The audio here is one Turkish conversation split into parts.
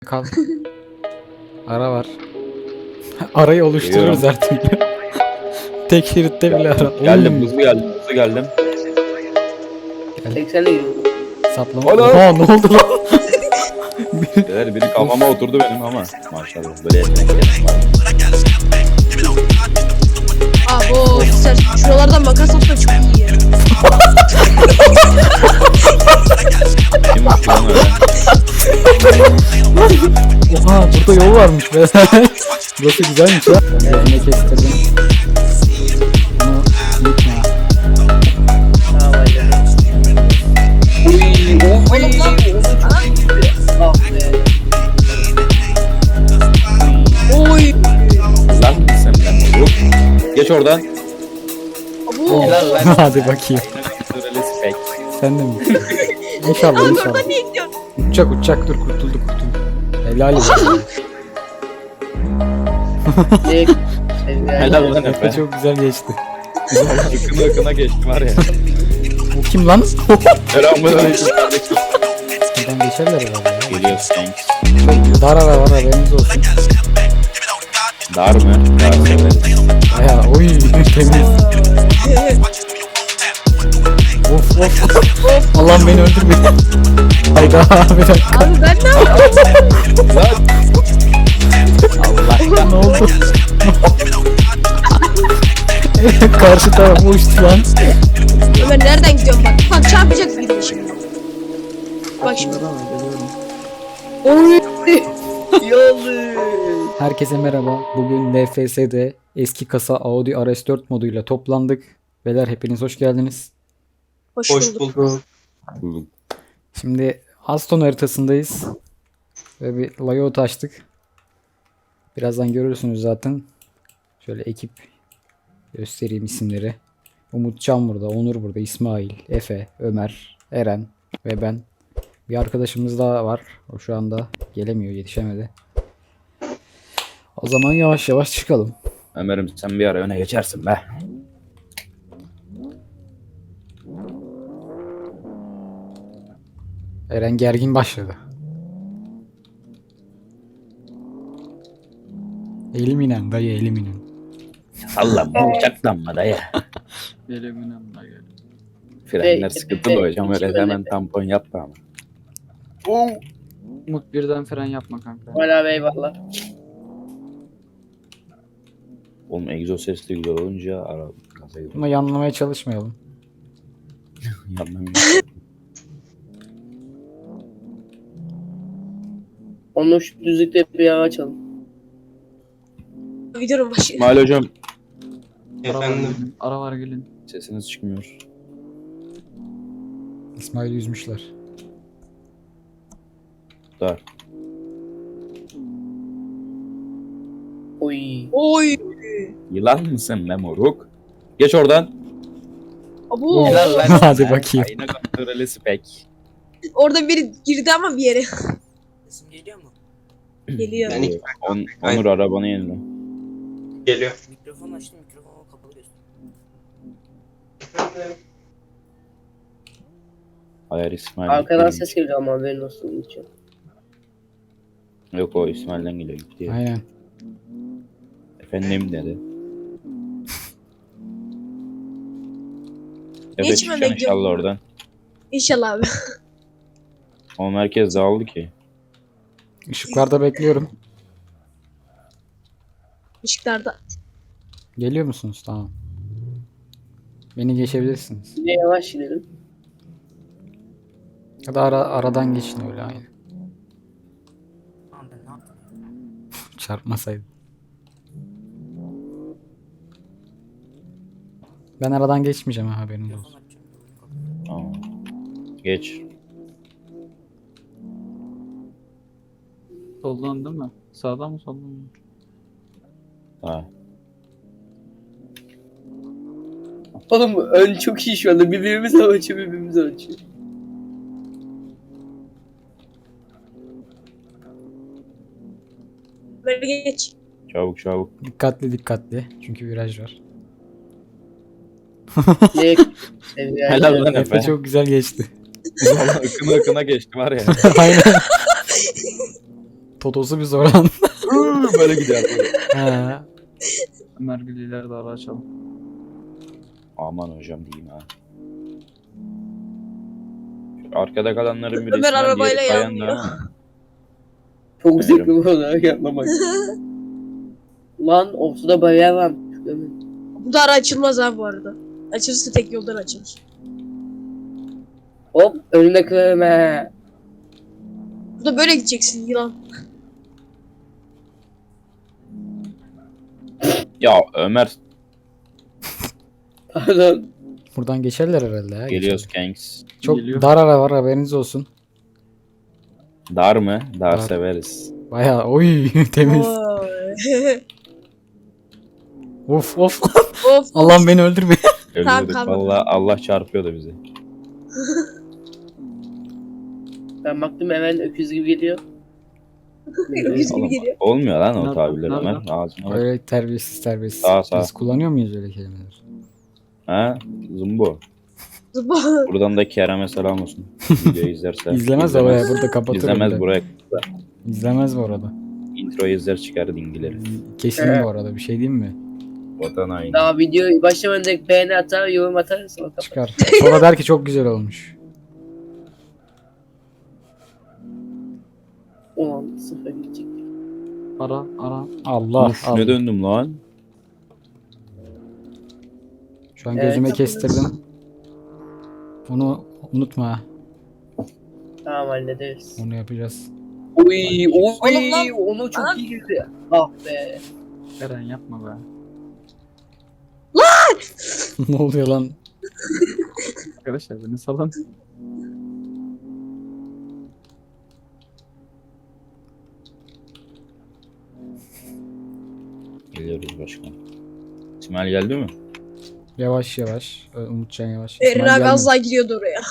Kal. Ara var. Arayı oluştururuz her türlü. Tek şeritte bile ara. Geldim, hızlı geldim. 80'le gidiyorum. Saplama. Ana! Oha, ne oldu lan? Biri kafama oturdu benim ama maşallah böyle yeteneklerim var. Abo sen şuralardan makas atma çok iyi ya. Kimmiş lan öyle? Oha, burada yol varmış be. Burası güzelmiş ha. Yerine kestirdim. Bunu unutma. Oğlum lan ah be. Oy. Lan sen lan moruk. Geç oradan. Abo. Hadi bakayım. Respect. Sen de mi? İnşallah inşallah. Oradan niye gidiyorsun? Uçacak dur, kurtulduk. Helal olsun. Helal lan Efe Efe. çok güzel geçti. Yakına geçti var ya. Bu kim lan? Selamünaleyküm. Buradan geçerler herhalde ya. Geliyorsun. Çok dar ara var, haberiniz olsun. Dar mı? Dar severiz. Baya oy temiz. Of. Allah'ım beni öldürmeyin. Hayda bir dakika. Abi ben ne yapayım? Lan. Allah. Ne oldu? Karşı taraf uçtu lan. Ömer nereden gidiyorsun bak. Bak çarpacak biri şimdi. Bak şimdi. Oy. Yolu. Herkese merhaba. Bugün NFS'de eski kasa Audi RS4 moduyla toplandık. Beyler hepiniz hoş geldiniz. Hoş bulduk. Şimdi Aston haritasındayız. Ve bir layout açtık. Birazdan görürsünüz zaten. Şöyle ekip göstereyim isimleri. Umutcan burada, Onur burada, İsmail, Efe, Ömer, Eren ve ben. Bir arkadaşımız daha var. O şu anda gelemiyor, yetişemedi. O zaman yavaş yavaş çıkalım. Ömer'im sen bir ara öne geçersin be. Eren gergin başladı. Eliminen dayı, eliminen. Sallanma uçaklanma dayı. Eliminen dayı. Frenler sıkıntılı hocam öyle hemen tampon yapma ama. Umut birden fren yapma kanka. Hala eyvallah. Oğlum egzoz sesli güzel olunca ara gaza gidiyor. Buna yanlamaya çalışmayalım. Yanmam. Onu şu düzlükte bir yağ açalım. Videonun başı. İsmail hocam Ara var gelin. sesiniz çıkmıyor. İsmail'i yüzmüşler. Dar. Oy. Oy. Yılan mısın be moruk? Geç oradan. Abo. Hadi bakayım. Ayna kontrolü spek. Orada biri girdi ama bir yere. Sesim geliyor mu? Geliyor. Onur arabanı yenile. Geliyor. Mikrofon açtım, mikrofonu kapalı göster. Hayır İsmail. Arkadan ses geliyor ama haberin olsun için. Yok o İsmail'den geliyor gitti. Aynen. Efendim dedi. Evet Geçme çıkacaksın bekliyorum. inşallah oradan. İnşallah abi. O merkez dağıldı ki. Işıklarda bekliyorum. Işıklarda. Geliyor musunuz? Tamam. Beni geçebilirsiniz. Bir de yavaş gidelim. Ya da aradan geçin öyle aynı. Tamam ben ne yaptım? Çarpmasaydı. Ben aradan geçmeyeceğim ha, haberiniz Mikrofon olsun. açacağım. mikrofonu kapalı. Aa. Geç. Soldan değil mi? Sağdan mı soldan mı? Ha. Oğlum ön çok iyi şu anda. Birbirimize ölçüyor, birbirimize ölçüyor. Böyle geç. Çabuk. Dikkatli. Çünkü viraj var. Ne? Helal lan Efe Efe. çok güzel geçti. Akına geçti var ya. Aynen. Totosu bir soran. Böyle gider. He. Ömer Gülü'leri de ara açalım. Aman hocam diyeyim ha. Şu arkada kalanların birisi. Ömer arabayla yanmıyor. Çok zevkli bu arada yapmamak. Lan ortada bayağı var. Bu da ara açılmaz ha bu arada. Açılırsa tek yoldan açılır. Hop önüne kırarım he. Bu da böyle gideceksin yılan. Ya Ömer Pardon. Buradan geçerler herhalde ya. geliyoruz Kanks. Çok Geliyor. dar ara var, haberiniz olsun. Dar mı? Dar Dar. severiz. Bayağı oy temiz. Oy. Of of. Of. Allah'ım beni öldürme. Tamam, Ölüyorduk. kalmadı. Vallahi Allah çarpıyordu bizi. Ben baktım hemen öküz gibi geliyor. Öküz gibi Oğlum, geliyor. olmuyor lan o Nerede? tabirler Nerede? Ömer. Ağzına bak. Öyle terbiyesiz. Sağ. Biz kullanıyor muyuz öyle kelimeler? Ha? Zumbo. Zıba. Buradan da Kerem'e selam olsun. Videoyu izlerse. İzlemez de oraya burada kapatır. İzlemez öyle. buraya. İzlemez bu arada. Introyu izler çıkar dingileri. Kesin bu arada, bir şey diyeyim mi? Vatan haini. Daha video başlamadan direkt beğeni atar, yorum atar sonra kapat. Çıkar. Sonra der ki çok güzel olmuş. 10-0 gidecek. Ara. Allah Uf, Allah. ne döndüm lan? Şu an Evet, gözüme yapıyoruz. kestirdim. Bunu unutma ha. Tamam hallederiz. Onu yapacağız. Oy Oğlum lan. onu çok iyi girdi. Ah be. Eren yapma be. Ne oluyor lan? Arkadaşlar beni salın. Geliyoruz başkan. İsmail geldi mi? Yavaş yavaş. Umutcan yavaş. Erin İsmail abi gelme. az daha gidiyordu oraya.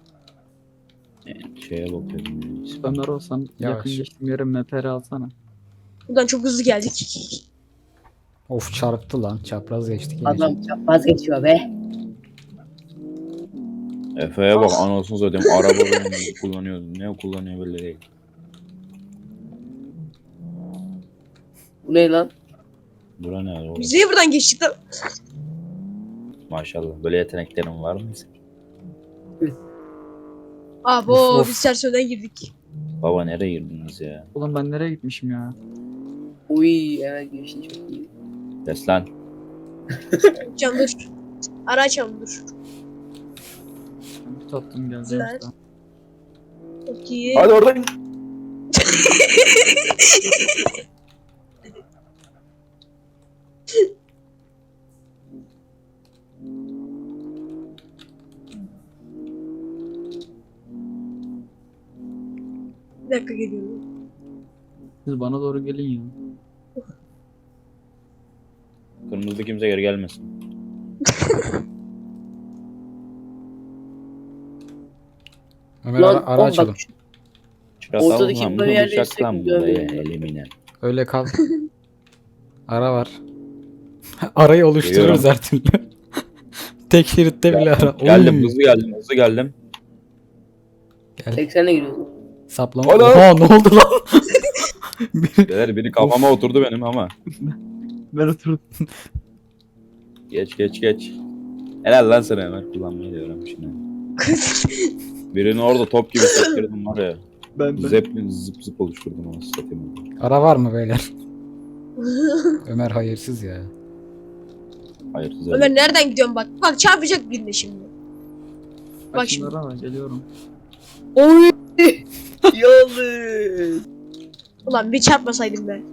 Şeye bakıyorum. Ömer olsan Yavaş. yakın geçtiğim yere meperi alsana. Buradan çok hızlı geldik. Of çarptı lan. Çapraz geçtik. yine. Adam çapraz geçiyor be. Efe'ye bak anasını satayım. Araba böyle kullanıyor. Ne kullanıyor belli değil. Bu ne lan? Bura ne oğlum? Biz niye buradan geçtik lan? Maşallah. Böyle yeteneklerin var mı? Abo Of, of. biz ters yönden girdik. Baba nereye girdiniz ya? Oğlum ben nereye gitmişim ya? Uy evet geçti çok iyi. Des lan. Can dur. Ara açalım dur. Ben bir tattım geleceğim Güzel. size. Çok iyi. Hadi oradan. Bir dakika geliyorum. Siz bana doğru gelin ya. Kırmızı kimse geri gelmesin. Ömer ara oğlum bak, açalım. Çıkartalım Ortadaki lan. Bunu bariyerleri bıçak lan sürekli burada ya. görmüyorum. Elimine. Öyle kal. Ara var. Arayı oluştururuz Duyuyorum. her türlü. Tek şeritte bile ara. Geldim Oy. hızlı geldim hızlı geldim. 80'e giriyordu. Saplama. Ana! Oha ne oldu lan? Beyler biri kafama oturdu benim ama. Ben oturdum. Geç. Helal lan sana Ömer kullanmayı da öğrenmişsin. ha. Birini orada top gibi sektirdim var ya. Ben Zıp zıp oluşturdum onu satayım. Ara var mı beyler? Ömer hayırsız ya. Hayır güzel. Ömer nereden gidiyorsun bak. Bak çarpacak birine şimdi. Bak Bak şimdi. şimdi. Geliyorum. Oy! Yalnız. Ulan bir çarpmasaydım be.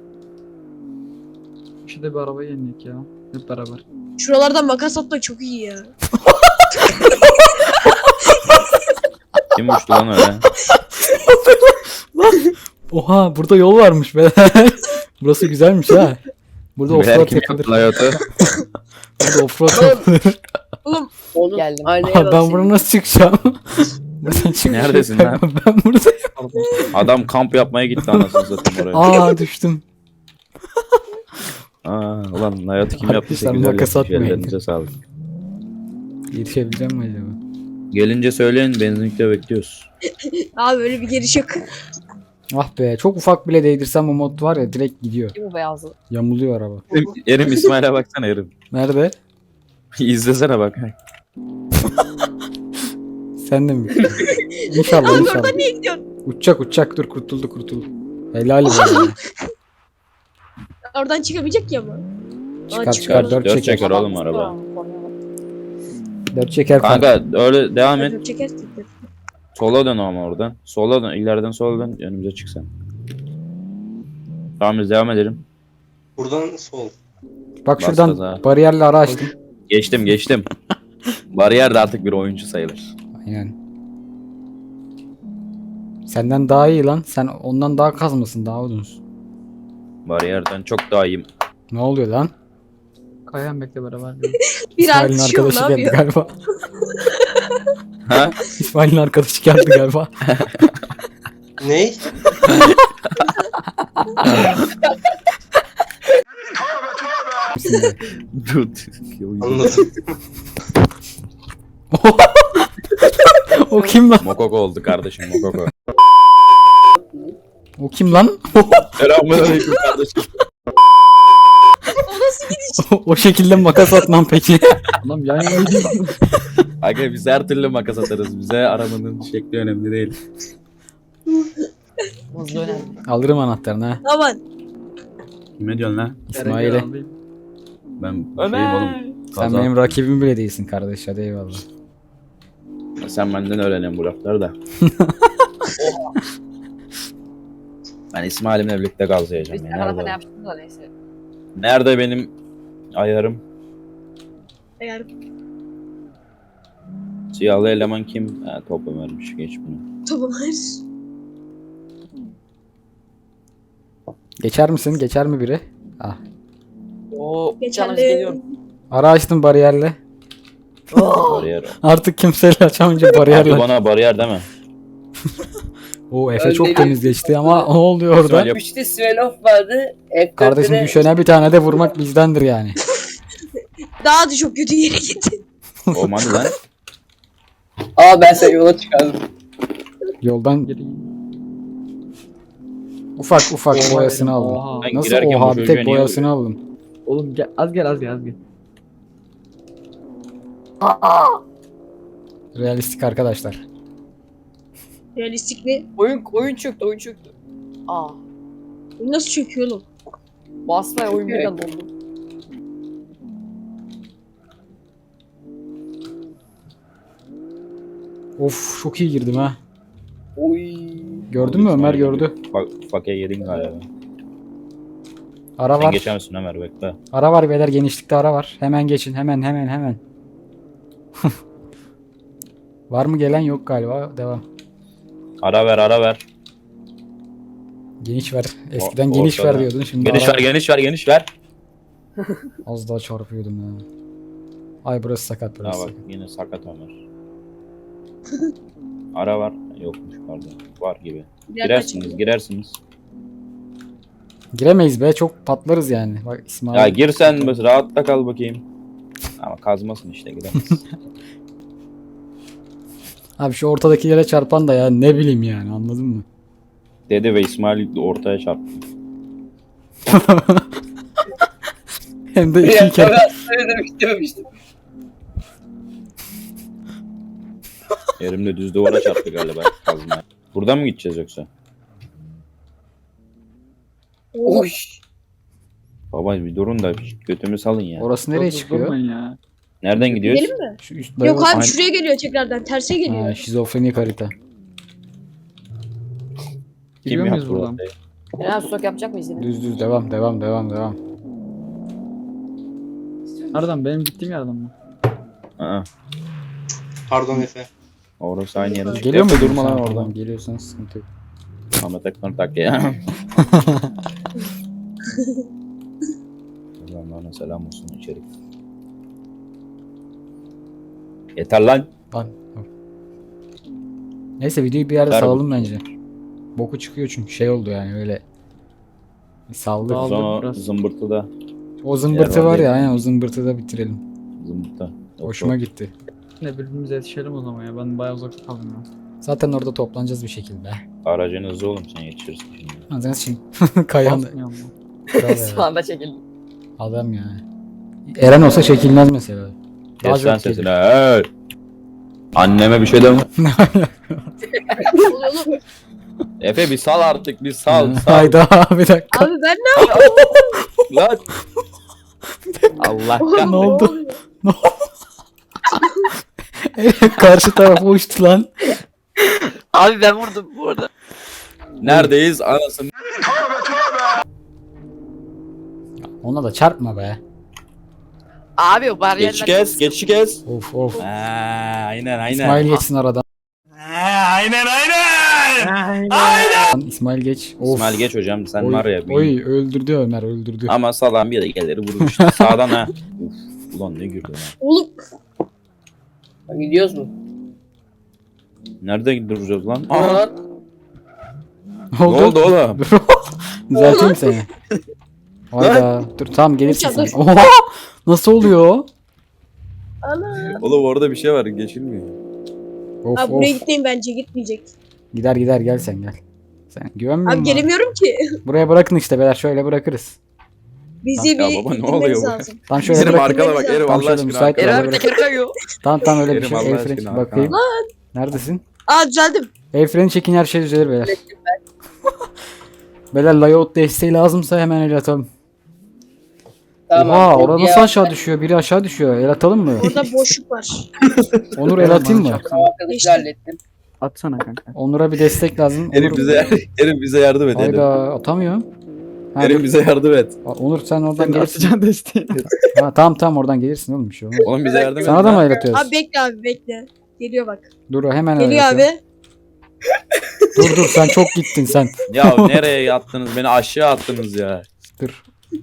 Şurada bir arabayı yendik ya. Hep beraber. Şuralardan makas atmak çok iyi ya. Kim uçtu lan öyle? Oha burada yol varmış beyler. Burası güzelmiş ha. Burada Beyler offroad kim yapılır. yaptı hayatı? Burada offroad yapılır. Oğlum Onu Geldim. aynaya Aha, bak ben senin. buradan nasıl çıkacağım? Buradan çıkacağım. Neredesin lan? Ben buradayım. Pardon. Adam kamp yapmaya gitti anasını satayım oraya. Aa düştüm. Ulan hayatı kim yaptıysa Arkadaşlar, güzel makas yapmış. atmayın. Ellerinize sağlık. Yetişebileceğim mi acaba? Gelince söyleyin benzinlikte bekliyoruz. abi öyle bir geliş yok. Ah be, çok ufak bile değdirsem o mod var ya direkt gidiyor. Değil mi beyazlı? Yamuluyor araba. Erim İsmail'e baksana Erim. Nerede? İzlesene bak. Sen de mi? İnşallah Abi inşallah. oradan niye gidiyorsun? Uçacak dur kurtuldu. Helal be. Oradan çıkabilecek ya ama. Çıkar çıkıyor. çıkar 4 Dört çeker. çeker oğlum araba. 4 çeker Kanka öyle devam et. Dört çeker tekrar. Sola dön ama oradan. Sola dön. İleriden sola dön. Önümüze çık sen. Tamam biz devam edelim. Buradan sol. Bak Bas şuradan gaza. bariyerli ara açtım. Geçtim. Bariyer de artık bir oyuncu sayılır. Aynen. Senden daha iyi lan. Sen ondan daha kazmasın, daha uzunsun. Bariyerden çok daha iyiyim. Ne oluyor lan? Kayan bekle beraber. Bir İsmail'in artışıyor ne arkadaşı geldi yapıyor? galiba. Ha? İsmail'in arkadaşı geldi galiba. Ney? Dur. Anladım. O kim lan? Mokoko oldu kardeşim Mokoko. O kim lan? Selamünaleyküm kardeşim. O nasıl gidiş? O şekilde makas atmam peki. Adam yan yana gidiyor. Aga biz her türlü makas atarız. Bize arabanın şekli önemli değil. Hızlı önemli. Alırım anahtarını ha. Aman. Kime diyorsun lan? İsmail'e. Ben şeyim oğlum. Sen Kaza. benim rakibim bile değilsin kardeş. Hadi eyvallah. Sen benden öğrenin bu lafları da. Ben İsmail'imle birlikte gazlayacağım Biz ya. ne kadar ne Nerede? yaptık da neyse. Nerede benim ayarım? Eğer Siyahlı eleman kim? Ha, topu vermiş. Geç bunu. tamam hayır. Geçer misin? Geçer mi biri? Ah. Oo, canımız Geçerli. geliyor. Ara açtım bariyerle. Bariyer. Artık kimseyle açamayınca Abi bariyerle. bana bariyer deme. O Efe Ben çok dedim. temiz geçti ama ne oluyor orada? İsmail yap- 3'te Svenov vardı. F4'te Kardeşim de- düşene bir tane de vurmak bizdendir yani. Daha da çok kötü yere gitti. Olmadı lan. Aa ben seni yola çıkardım. Yoldan Geri. ufak ufak Oha, boyasını aldım. Oha. Ben Nasıl girerken oha bu bir çocuğa tek niye boyasını aldım. Oğlum gel az gel. Realistik arkadaşlar. Realistik mi? Oyun çöktü. Aa. Bu nasıl çöküyor oğlum? Basmaya oyun birden dondu. Of çok iyi girdim ha. Oy. Gördün mü Ömer gördü. Fakya yedin galiba. Ara Sen var. geçer misin Ömer bekle. Ara var beyler, genişlikte ara var. Hemen geçin hemen. Var mı gelen? Yok galiba. Devam. Ara ver. Geniş ver. Eskiden O- geniş ver ortada. diyordun. Şimdi Geniş ara- geniş ver. Az daha çarpıyordum ya. Ay burası sakat Ha burası. bak yine sakat Ömer. Ara var. Yokmuş pardon. Var gibi. Girersiniz. Giremeyiz be, çok patlarız yani. Bak İsmail. Ya gir sen bas, rahatta kal bakayım. Ama kazmasın işte giremez. Abi şu ortadakilere çarpan da ya ne bileyim yani, anladın mı? Dedi ve İsmail ortaya çarptı. Hem de Bir iki kere. dakika ben demek istememiştim. Elimle düz duvara çarptı galiba kazma. Buradan mı gideceğiz yoksa? Oy. Baba bir durun da götümü salın ya. Orası nereye çıkıyor? Durmayın ya. Nereden gidiyoruz? Gidelim mi? Şu üst Yok abi Aynı- şuraya geliyor tekrardan. Terse geliyor. Ha, şizofrenik harita. Gidiyor muyuz yaptı buradan? orayı? Eren stok yapacak mıyız yine? Düz devam. Nereden? Benim gittiğim yerden mi? Aa, Pardon Efe. orası aynı yere çıktı. Geliyor mu? Durma lan oradan. Tamam, geliyorsan sıkıntı yok. Ahmet Ekmer tak ya. Allah'ına selam olsun içerik. Yeter lan. Lan. Neyse videoyu bir yerde Ver salalım bence. Boku çıkıyor çünkü şey oldu yani öyle. Saldık. Sağ ol. Sonra biraz. zımbırtıda. O zımbırtı Yer var var ya, değil. aynen o zımbırtı da bitirelim. Zımbırtı. Yok, Hoşuma yok. gitti. Ne birbirimize yetişelim o zaman ya. Ben bayağı uzakta kaldım ya. Zaten orada toplanacağız bir şekilde. Aracın hızlı oğlum sen yetişirsin şimdi. Ağzına sıçayım. Kayan. Basmıyor mu? Kral ya. Sağında çekildim. Adam ya. Eren olsa çekilmez mesela. Daha Kes lan çok sesini. gelir. Hey! Anneme bir şey deme. Oğlum. Efe bir sal artık bir sal. Sal. Hayda bir dakika. Abi ben ne yapayım? Lan. Allah Oğlum, Ne oldu? oluyor? Karşı tarafa uçtu lan. Abi ben vurdum bu arada. Neredeyiz anasını? Ona da çarpma be. Abi o bariyerler. Geçi kes, geçi kes. Of of. Aynen İsmail geçsin aradan. İsmail geç. Of. İsmail geç hocam sen Oy, var ya. bir- Oy öldürdü Ömer öldürdü. Ama sağdan bir de gelir vurur işte. Sağdan ha. Uf, ulan ne güldü lan. Oğlum. Gidiyoruz mu? Nerede duracağız lan? Aa. Aa, ne oldu oğlum? Düzelteyim seni. Hayda. Dur tamam gelirsin sen. Dur. Oha! Nasıl oluyor? Ana. Oğlum orada bir şey var geçilmiyor. Of Abi buraya of. gitmeyin bence gitmeyecek. Gider gider gel sen gel. Sen güvenmiyor Abi musun? gelemiyorum ki. Buraya bırakın işte beyler şöyle bırakırız. Bizi Ya bir baba, ne gitmemiz oluyor bu? lazım. Tam şöyle Erim bırakın. arkana bak Erim Tam Allah şöyle aşkına. müsait Eren Böyle abi bırak. teker kayıyor. Tamam öyle bir Erim şey. Allah El freni aşkına, bakayım. arkana. Neredesin? Aa düzeldim. El freni çekin her şey düzelir beyler. Beyler layout desteği lazımsa hemen el atalım. Oha orada nasıl aşağı düşüyor? Biri aşağı düşüyor. El atalım mı? Orada boşluk var. Onur el atayım mı? Arkadaşı hallettim. Atsana kanka. Onur'a bir destek lazım. Erim Onur... bize yardım et Erim. Hayda atamıyorum. Ha, Erim bize yardım et. Onur sen oradan Sen gelirsin. atacaksın desteği. Ha, tamam oradan gelirsin oğlum bir şey olmaz. Oğlum bize yardım et. Sana da mı lan. el atıyoruz? Abi bekle abi bekle. Geliyor bak. Dur hemen el Geliyor atıyorum. abi. Dur sen çok gittin sen. Ya nereye attınız beni aşağı attınız ya. Dur.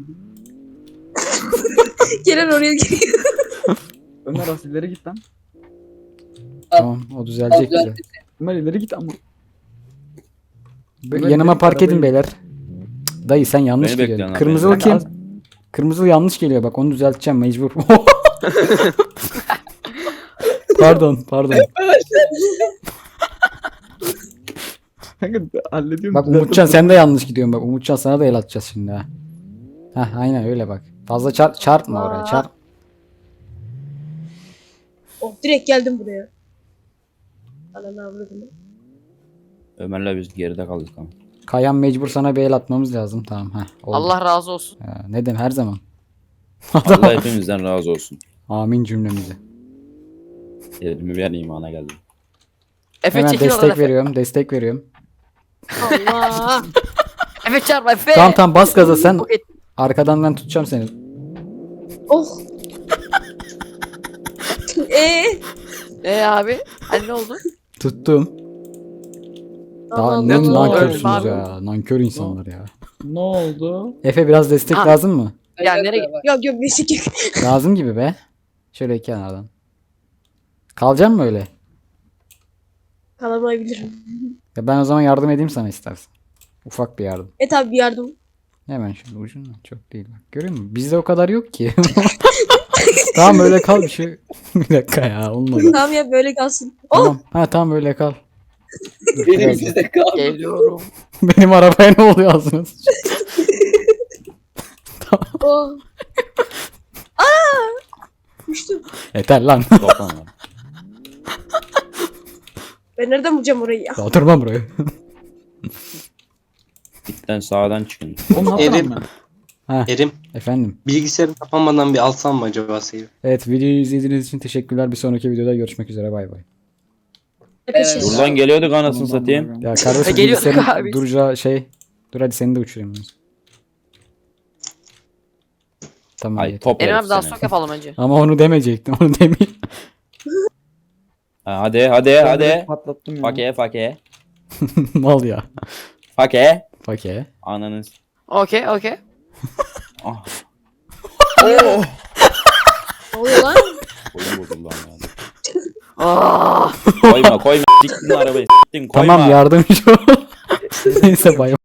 Gelen oraya geliyor. Ömer az ileri git lan. Tamam o düzelecek bize. Ömer ileri git ama. Yanıma Ömer, park edin arabayı- beyler. Cık, Dayı sen yanlış Beni geliyorsun. bekliyorsun abi, Kırmızılı beni. kim? Az- Kırmızılı yanlış geliyor bak onu düzelteceğim mecbur. Pardon. Kanka hallediyorum. Bak Umutcan sen de yanlış gidiyorsun bak. Umutcan sana da el atacağız şimdi ha. Heh aynen öyle bak. Fazla çarpma oraya çarp. Oh direkt geldim buraya. Ananı avradım. Ömer'le biz geride kaldık ama. Kayan mecbur sana bir el atmamız lazım. Tamam ha. Allah razı olsun. Ne demek her zaman. Allah hepimizden razı olsun. Amin cümlemize. Elimi bir an imana geldim. Efe Hemen çekil oradan destek Efe. veriyorum. Destek veriyorum. Allah. Efe çarpma Efe. Tamam bas gaza sen. Okey. Arkadan ben tutacağım seni. Oh. Abi? Hani ne oldu? Tuttum. Daha Allah ne Allah. nankörsünüz Abi. ya. Nankör insanlar ya. Ne oldu? Efe biraz destek Ha. lazım mı? Ya nereye git? Yok neyse ki. Lazım gibi be. Şöyle kenardan. Kalacak mı öyle? Kalamayabilirim. Ya ben o zaman yardım edeyim sana istersen. Ufak bir yardım. Tabi bir yardım. Hemen şöyle ucundan çok değil bak. Görüyor musun? Bizde o kadar yok ki. Tamam öyle kal bir şey. Bir dakika ya olmadı. Tamam ya böyle kalsın. Oh. Tamam. Ha tamam öyle kal. Dur, Benim biraz- bizde kaldı. Geliyorum. Benim arabaya ne oluyor ağzına sıçıyor. Oh. Düştüm. Yeter lan. Doktan lan. Ben nereden bulacağım orayı ya? Oturmam buraya. Bitten sağdan çıkın. Oğlum ne Erim. yapalım ben? Erim, Efendim. bilgisayarın kapanmadan bir alsam mı acaba seni? Evet videoyu izlediğiniz için teşekkürler. Bir sonraki videoda görüşmek üzere. Bay bay. Peşin. Buradan geliyorduk anasını satayım. Ya kardeşim Geliyor bilgisayarın abi. duracağı şey. Dur hadi seni de uçurayım. Tamam. Ay yeter. top Eren herif abi daha seni. sok yapalım önce. Ama onu demeyecektim. Onu demeyeyim. Ha, hadi Ben direkt patlattım ya. Fake. Mal ya. Fake. Fake. Ananız. Okey. Ah. Ne oluyor lan? Koyun bozuldu lan. Aa. Koyma. Siktin arabayı. Siktin koyma. Tamam yardımcı ol. Neyse bay bay.